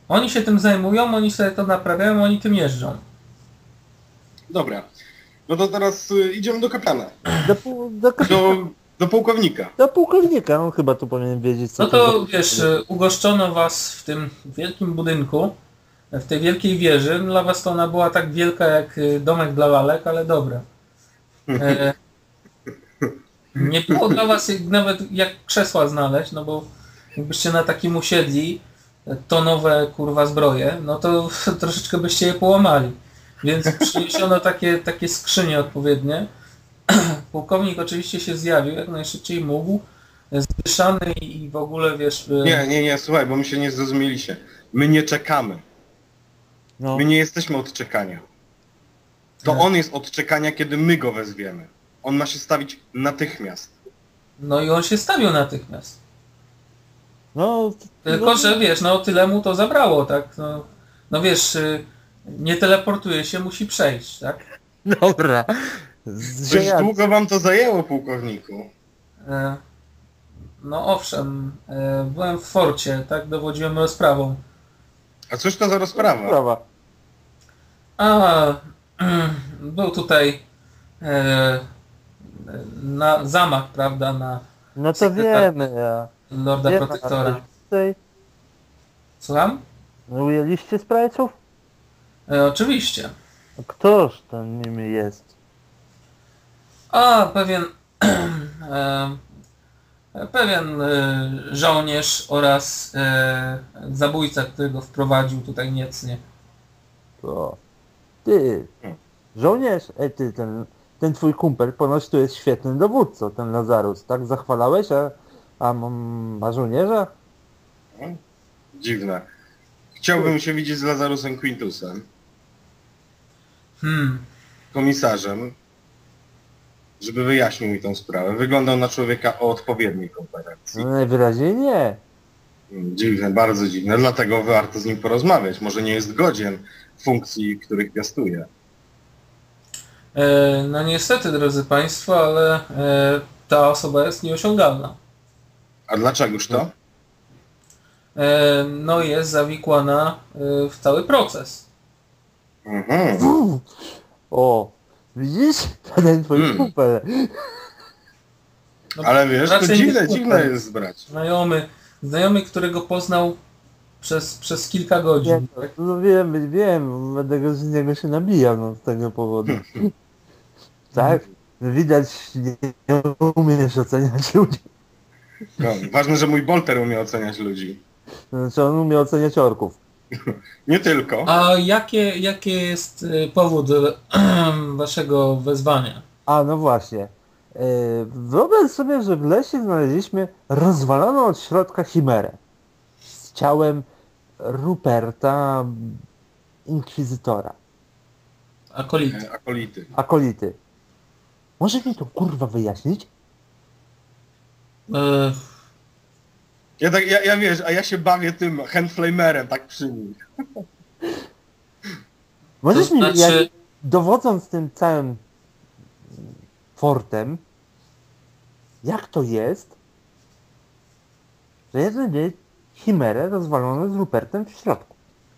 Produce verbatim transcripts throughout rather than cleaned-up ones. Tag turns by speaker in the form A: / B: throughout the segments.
A: Oni się tym zajmują, oni sobie to naprawiają, oni tym jeżdżą.
B: Dobra. No to teraz y, idziemy do kapitana.
C: Do, pół- do, kapitana.
B: Do, do pułkownika.
C: Do pułkownika, on chyba tu powinien wiedzieć, co
A: No to
C: za-
A: wiesz, y, ugoszczono was w tym wielkim budynku, w tej wielkiej wieży. Dla was to ona była tak wielka jak y, domek dla lalek, ale dobra. E, nie było dla was jak- nawet jak krzesła znaleźć, no bo jakbyście na takim usiedli, to nowe kurwa zbroje, no to troszeczkę byście je połamali. Więc przyniesiono takie, takie skrzynie odpowiednie. Pułkownik oczywiście się zjawił jak najszybciej mógł, zdyszany i w ogóle wiesz...
B: Nie, nie, nie, słuchaj, bo my się nie zrozumieliście. My nie czekamy.
C: No,
B: My nie jesteśmy od czekania. To
A: Nie.
B: on jest od czekania, kiedy my go wezwiemy. On ma się stawić natychmiast.
A: No i on się stawił natychmiast.
C: no,
A: Tylko,
C: no,
A: że wiesz, no tyle mu to zabrało, tak? No, no wiesz, y, nie teleportuje się, musi przejść, tak?
C: dobra. Z-
B: Dość
C: że ja-
B: długo wam to zajęło, pułkowniku.
A: E, No owszem, e, byłem w forcie, tak? Dowodziłem rozprawą.
B: A cóż to za rozprawa?
C: Sprawa.
A: A, był tutaj e, na zamach, prawda, na
C: No to
A: Sekretar-
C: wiemy, ja.
A: Lorda
C: Wiemy,
A: Protektora.
C: a tutaj
A: Słucham?
C: ujęliście sprajców?
A: E, oczywiście.
C: A Któż tam nimi jest?
A: A, pewien e, pewien e, żołnierz oraz e, zabójca, którego wprowadził tutaj niecnie.
C: To... Ty,
B: Hmm.
C: żołnierz, ej ty, ten, ten twój kumpel ponoć tu jest świetnym dowódcą, ten Lazarus, tak? Zachwalałeś, a, a m- ma żołnierza?
B: Dziwne. Chciałbym się widzieć z Lazarusem Quintusem,
A: Hmm.
B: komisarzem, żeby wyjaśnił mi tą sprawę. Wyglądał na człowieka o odpowiedniej kompetencji.
C: No najwyraźniej nie.
B: Dziwne, bardzo dziwne. Dlatego warto z nim porozmawiać. Może nie jest godzien funkcji, których piastuje.
A: E, no niestety, drodzy Państwo, ale e, ta osoba jest nieosiągalna.
B: A dlaczegoż to?
A: E, no jest zawikłana e, w cały proces.
B: Mhm.
C: Uf. O, widzisz? Ten twój
B: Hmm.
C: kumpel.
A: No,
B: Ale wiesz, to
A: raczej
B: dziwne,
A: nie
B: dziwne
A: super.
B: jest brać.
A: Znajomy, znajomy, którego poznał przez, przez kilka
C: Nie,
A: godzin. Tak?
C: no wiem, wiem, będę go z niego się nabijał, no, z tego powodu. Tak? Widać, nie umiesz oceniać ludzi.
B: No, ważne, że mój Bolter umie oceniać ludzi.
C: Znaczy on umie oceniać orków.
B: Nie tylko.
A: A jakie, jakie jest e, powód e, waszego wezwania?
C: A, no właśnie. Yy, Wyobraź sobie, że w lesie znaleźliśmy rozwaloną od środka chimerę z ciałem Ruperta Inkwizytora,
A: Akolit.
B: E, Akolity.
C: akolity. Może mi to kurwa wyjaśnić?
A: E,
B: Ja, tak, ja, ja wiesz, a ja się bawię tym handflamerem tak przy nich.
C: Możesz
A: To
C: mi,
A: znaczy-
C: jak, dowodząc tym całym fortem, jak to jest, że jeden dzień chimerę rozwalono z Rupertem w środku?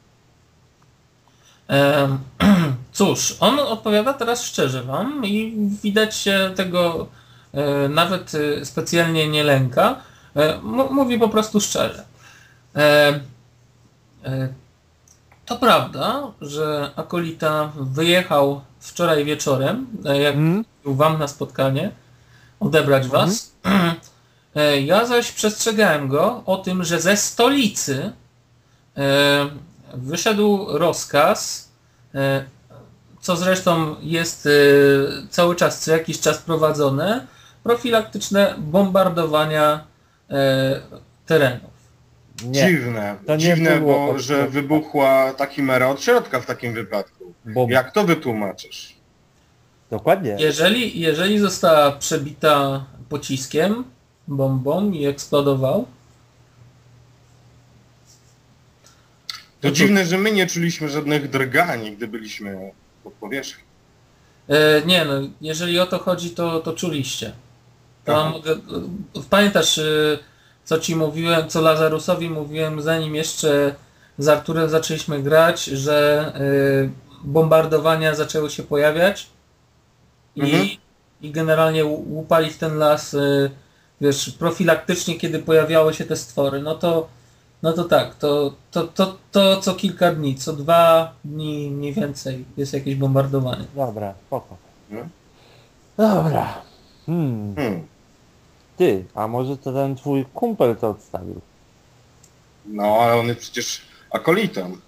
A: E, cóż, on odpowiada teraz szczerze wam i widać się tego e, nawet e, specjalnie nie lęka. E, m- mówi po prostu szczerze. E, e, to prawda, że Akolita wyjechał wczoraj wieczorem, e, jak
C: Hmm?
A: był wam na spotkanie, odebrać was. E, ja zaś przestrzegałem go o tym, że ze stolicy e, wyszedł rozkaz, e, co zresztą jest e, cały czas, co jakiś czas prowadzone, profilaktyczne bombardowania e, terenów.
C: Nie,
B: Dziwne,
C: to nie
B: dziwne,
C: było
B: bo
C: od
B: że
C: środka.
B: wybuchła ta chimera od środka w takim wypadku.
C: bo
B: Jak to wytłumaczysz?
C: dokładnie.
A: Jeżeli, jeżeli została przebita pociskiem, bombą i eksplodował,
B: To
A: No to-
B: dziwne, że my nie czuliśmy żadnych drgań, gdy byliśmy pod powierzchnią.
A: E, nie no, jeżeli o to chodzi, to, to czuliście. To
B: Aha.
A: mogę, e, pamiętasz, e, co ci mówiłem, co Lazarusowi mówiłem, zanim jeszcze z Arturem zaczęliśmy grać, że y, bombardowania zaczęły się pojawiać i,
B: Mhm.
A: i generalnie ł- łupali w ten las, y, wiesz, profilaktycznie, kiedy pojawiały się te stwory. No to, no to tak, to, to, to, to co kilka dni, co dwa dni mniej więcej jest jakieś bombardowanie.
C: Dobra, spoko.
B: No.
C: Dobra. Hmm.
B: Hmm.
C: Ty, a może to ten twój kumpel to odstawił?
B: No, ale on jest przecież akolitą.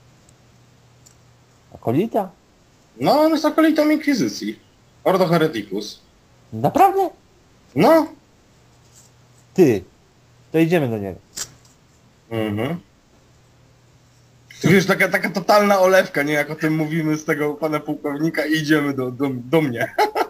C: Akolita?
B: No, on jest akolitą Inkwizycji. Ordo Hereticus.
C: Naprawdę?
B: No.
C: Ty, to idziemy do niego.
B: Mhm. Ty wiesz, taka, taka totalna olewka, nie? Jak o tym mówimy z tego pana pułkownika i idziemy do, do, do mnie.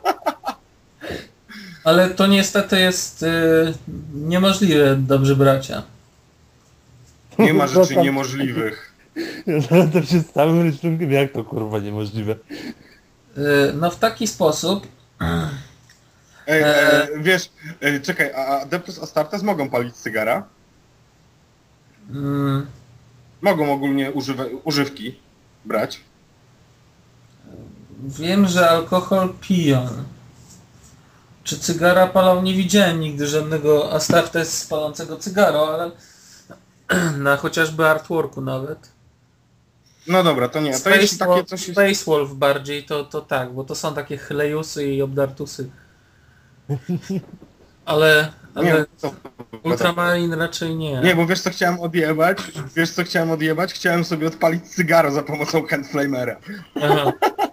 A: Ale to niestety jest y, niemożliwe, dobrzy bracia.
B: Nie ma rzeczy
C: Tam-
B: niemożliwych.
C: Ja to się z całym rysunkiem, jak to kurwa niemożliwe.
A: Y, no w taki sposób,
B: Ej,
A: E.
B: e, wiesz, e, czekaj, a Adeptus Astartes mogą palić cygara?
A: mm,
B: Mogą ogólnie używa, używki brać.
A: wiem, że alkohol piją. Czy cygara palą? Nie widziałem nigdy żadnego Astartes palącego cygaro, ale na chociażby artworku nawet.
B: No dobra, to nie. To
A: Space,
B: jeśli takie
A: Wolf,
B: coś jest...
A: Space Wolf bardziej, to, to tak, bo to są takie chlejusy i obdartusy. Ale, ale
B: Nie, to...
A: Ultramarine raczej nie.
B: nie, bo wiesz co chciałem odjebać? Wiesz co chciałem odjebać? Chciałem sobie odpalić cygaro za pomocą handflamera.
A: Aha.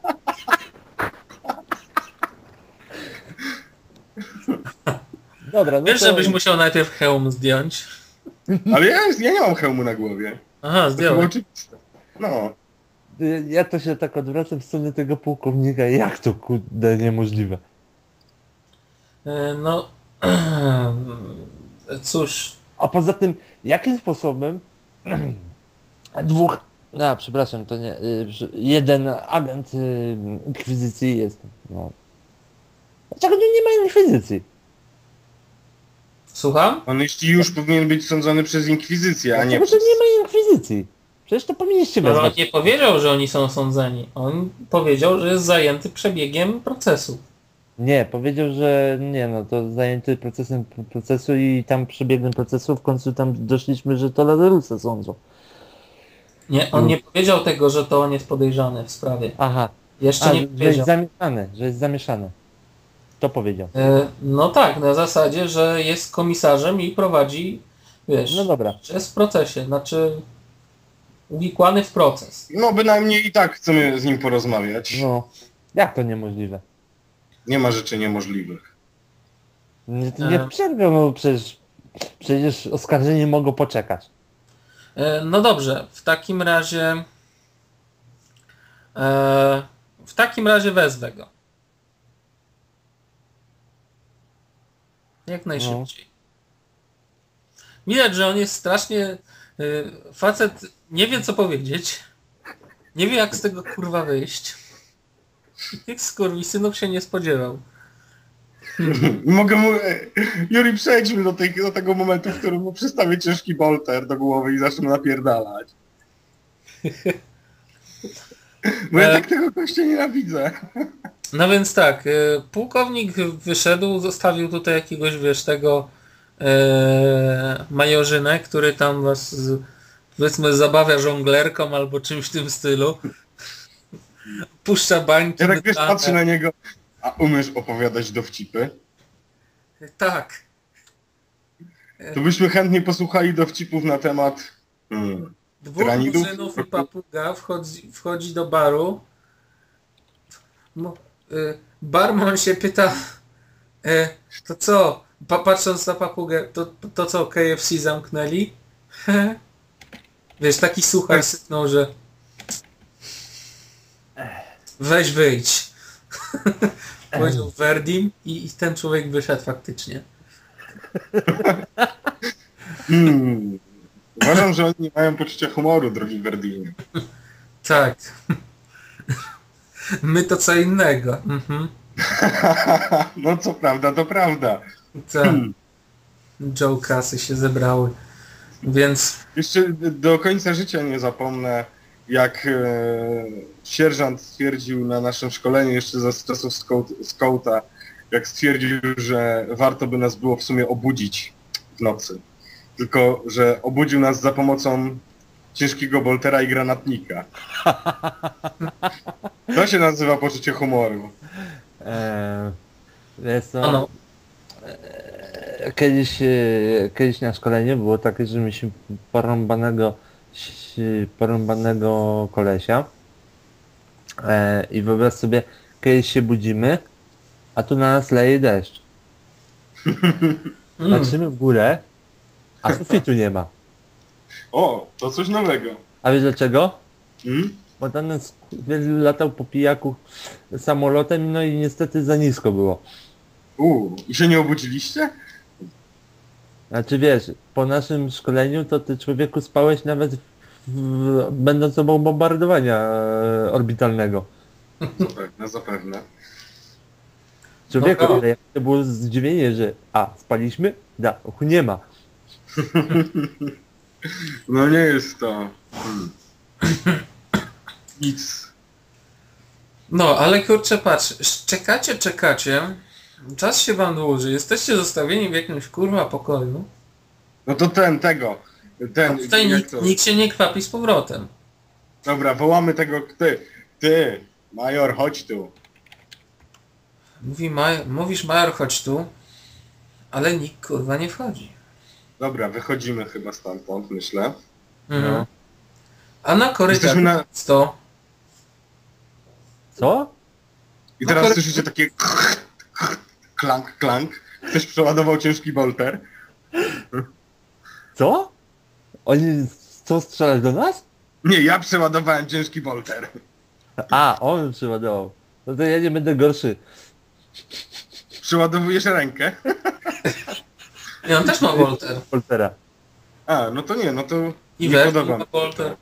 C: Dobra, no
A: Wiesz,
C: to...
A: żebyś musiał najpierw hełm zdjąć.
B: Ale ja, ja nie mam hełmu na głowie.
A: Aha,
B: To chyba
A: zdjąłem.
B: oczywiste. No.
C: Ja to się tak odwracam w stronę tego pułkownika, jak to kurde niemożliwe.
A: E, No, cóż,
C: A poza tym, jakim sposobem dwóch... A, przepraszam, to nie... y, że jeden agent y, inkwizycji jest... No. Dlaczego nie, nie ma inkwizycji?
A: słucham?
B: On jeśli już powinien być sądzony przez Inkwizycję, a nie
C: Dlaczego
B: przez...
C: nie ma inkwizycji? Przecież to powinniście
A: Ale on
C: wezwać.
A: nie powiedział, że oni są sądzeni. On powiedział, że jest zajęty przebiegiem procesu.
C: Nie, powiedział, że nie no, to zajęty procesem procesu i tam przebiegiem procesu w końcu tam doszliśmy, że to Lazarusa sądzą.
A: Nie, on nie powiedział tego, że to on jest podejrzany w sprawie.
C: Aha,
A: Jeszcze
C: a,
A: nie
C: że jest
A: powiedział.
C: zamieszane, że jest zamieszane. To powiedział.
A: E, No tak, na zasadzie, że jest komisarzem i prowadzi, wiesz,
C: No dobra.
A: że jest w procesie, znaczy uwikłany w proces.
B: No bynajmniej i tak chcemy z nim porozmawiać.
C: No, jak to niemożliwe?
B: Nie ma rzeczy niemożliwych.
C: Nie, nie
A: E.
C: przerwę, no przecież, przecież oskarżeni mogą poczekać.
A: E, No dobrze, w takim razie e, w takim razie wezwę go. Jak najszybciej. Widać, że on jest strasznie y, facet nie wie co powiedzieć. Nie wie jak z tego kurwa wyjść. I tych skurwisynów się nie spodziewał.
B: Mogę mu... e, Juri, przejdźmy do, tej, do tego momentu, w którym mu przystawię ciężki bolter do głowy i zacznę napierdalać. Bo ja
A: E.
B: tak tego gościa nienawidzę.
A: No więc tak, y, pułkownik wyszedł, zostawił tutaj jakiegoś, wiesz, tego e, majorzynę, który tam was z, powiedzmy zabawia żonglerką albo czymś w tym stylu. Puszcza bańki.
B: Ja tak wiesz,
A: mydlane.
B: patrzę na niego. A umiesz opowiadać dowcipy?
A: Tak.
B: To byśmy chętnie posłuchali dowcipów na temat... Hmm.
A: Dwóch
B: Tyranidów?
A: muzynów i papuga wchodzi, wchodzi do baru. Mo, y, barman się pyta, y, to co, pa, patrząc na papugę, to, to co, K F C zamknęli? Wiesz, taki suchar sypnął, że weź wyjdź. Powiedział Verdim i, i ten człowiek wyszedł faktycznie.
B: Hmm. Uważam, że oni nie mają poczucia humoru, drogi Verdinie.
A: Tak. My to co innego. Mhm.
B: No co prawda, to prawda.
A: Tak. Joe kasy się zebrały. Więc
B: Jeszcze do końca życia nie zapomnę, jak e, sierżant stwierdził na naszym szkoleniu jeszcze za czasów scout- scouta, jak stwierdził, że warto by nas było w sumie obudzić w nocy. Tylko, że obudził nas za pomocą ciężkiego boltera i granatnika. To się nazywa poczucie humoru.
C: Eee, wiesz co,
A: no, no.
C: eee, kiedyś, e, kiedyś na szkoleniu było takie, że mieliśmy porąbanego, ś- porąbanego kolesia. Eee, I wyobraź sobie, kiedyś się budzimy, a tu na nas leje deszcz.
A: Mm.
C: Patrzymy w górę, a sufitu nie ma.
B: O, to coś nowego.
C: A wiesz dlaczego?
B: Hmm?
C: Bo tam nas latał po pijaku samolotem, no i niestety za nisko było.
B: Uuu, i się nie obudziliście?
C: Znaczy wiesz, po naszym szkoleniu to ty człowieku spałeś nawet w, w, będąc obok bombardowania e, orbitalnego.
B: Zapewne, zapewne.
C: Człowieku,
A: No to-
C: ale jak to było zdziwienie, że a, spaliśmy? Da, uchu nie ma.
B: No nie jest to... Hmm. Nic.
A: No, ale kurczę, patrz, czekacie, czekacie, czas się wam dłuży, jesteście zostawieni w jakimś kurwa pokoju,
B: No to ten, tego.
A: a
B: Ten,
A: tutaj
B: jak
A: nikt,
B: to?
A: nikt się nie kwapi z powrotem.
B: Dobra, wołamy tego, ty, ty, major, chodź tu.
A: Mówi maj, mówisz major, chodź tu, ale nikt kurwa nie wchodzi.
B: Dobra, wychodzimy chyba stamtąd, myślę.
A: Mhm.
C: No.
A: A na korytarzu
B: Jesteśmy na...
A: to
C: Co?
B: I
A: No
B: teraz
A: kory-
B: słyszycie takie klank, klank. Ktoś przeładował ciężki bolter.
C: Co? Oni chcą strzelać do nas?
B: Nie, ja przeładowałem ciężki bolter.
C: A, on przyładował. No to ja nie będę gorszy.
B: Przeładowujesz rękę?
A: i on też ma Volter.
C: Poltera.
B: A, no to nie, no to
A: I
B: nie
A: Werk
B: podoba
A: ma
B: mi
A: Volter.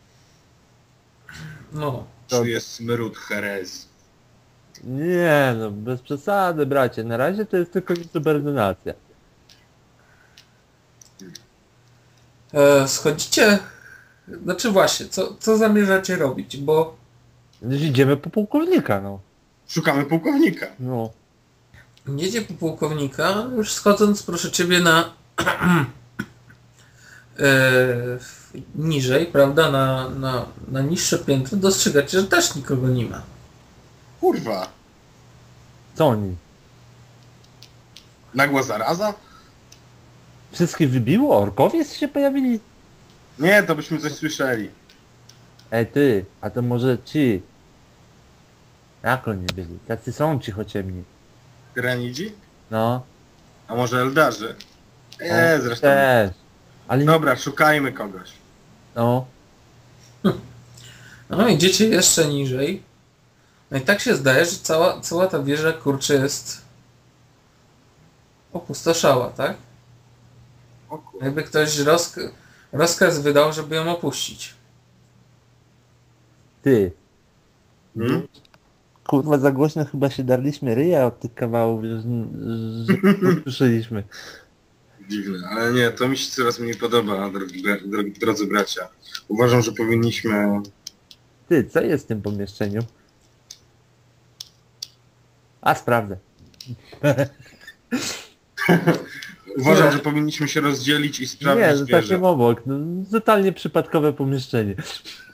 A: No.
B: To jest smród herez.
C: Nie no, bez przesady bracie. Na razie to jest tylko subordynacja.
A: E, schodzicie, znaczy właśnie, co, co zamierzacie robić, bo
C: Gdzieś idziemy po pułkownika, no.
B: Szukamy pułkownika.
C: No.
A: jedzie po pułkownika, już schodząc proszę ciebie na e, niżej, prawda, na, na, na niższe piętro, dostrzegacie, że też nikogo nie ma.
B: Kurwa.
C: Co oni?
B: Nagła zaraza?
C: Wszystkich wybiło? Orkowie się pojawili?
B: Nie, to byśmy coś słyszeli.
C: Ej ty, a to może ci? Jak oni byli? Tacy są cichociemni.
B: Tyranidzi?
C: No.
B: A może Eldarzy?
C: O,
B: Nie, zresztą.
C: Też. Ale no.
B: Dobra, szukajmy kogoś.
C: no.
A: No idziecie jeszcze niżej. No i tak się zdaje, że cała, cała ta wieża kurczę jest opustoszała, tak?
B: O kurwa.
A: Jakby ktoś rozk rozkaz wydał, żeby ją opuścić.
C: Ty.
B: Hmm?
C: Kurwa za głośno chyba się darliśmy ryja od tych kawałów, że, że słyszeliśmy.
B: Dziwne, ale nie, to mi się coraz mniej podoba, drogi, drogi, drodzy bracia. Uważam, że powinniśmy...
C: Ty, co jest w tym pomieszczeniu? A sprawdzę.
B: Uważam,
A: Nie.
B: że powinniśmy się rozdzielić i
C: Nie,
B: sprawdzić
C: no
B: wieżę.
C: takim obok. No, totalnie przypadkowe pomieszczenie.